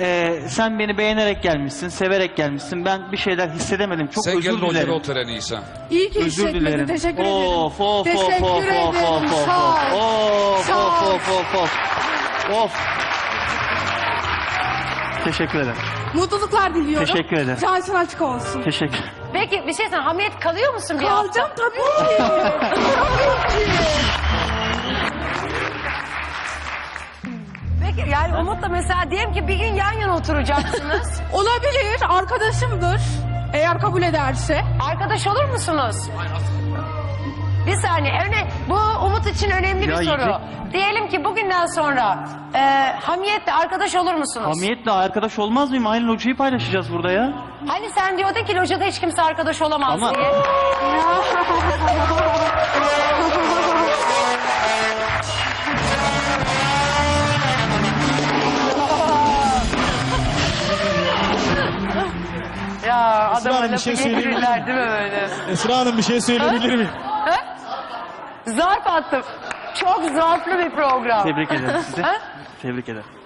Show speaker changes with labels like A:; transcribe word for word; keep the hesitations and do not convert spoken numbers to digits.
A: e, sen beni beğenerek gelmişsin, severek gelmişsin. Ben bir şeyler hissedemedim. Çok
B: Sen
A: özür
B: gel
A: dilerim.
B: otele otur en iyisi.
C: İyi ki
A: Özür
C: hissetmedin.
A: dilerim.
C: Teşekkür ederim.
A: Of of of
C: Teşekkür
A: of of
C: ederim.
A: of of
C: Sağ ol.
A: of
C: Sağ
A: of
C: ol.
A: of of of. Of. Teşekkür ederim.
C: Mutluluklar diliyorum.
A: Teşekkür ederim.
C: Şansın açık olsun.
A: Teşekkür.
D: Peki bir şey söyleyeyim. Hamiyet kalıyor musun bir hafta?
C: Kalacağım tabii ki. Tabii ki.
D: Peki yani Umut'la mesela diyelim ki bir gün yan yana oturacaksınız.
C: Olabilir. Arkadaşımdır. Eğer kabul ederse.
D: Arkadaş olur musunuz? Bir saniye. Öne, bu Umut için önemli
A: Ya
D: bir soru.
A: yiyecek-
D: Diyelim ki bugünden sonra e, Hamiyet'le arkadaş olur musunuz?
A: Hamiyetle arkadaş olmaz mıyım? Aynı locayı paylaşacağız burada ya.
D: Hani sen diyordun ki locada hiç kimse arkadaş olamaz
A: Ama-
D: diye. Ya
E: Esra
D: adama
E: Hanım, bir
D: lafı
E: şey söyleyebilir
D: getirirler değil mi böyle?
E: Esra Hanım bir şey söyleyebilir miyim?
D: Zarf attım. Çok zarflı bir program.
A: Tebrik ederim sizi.
D: Ha?
A: Tebrik ederim.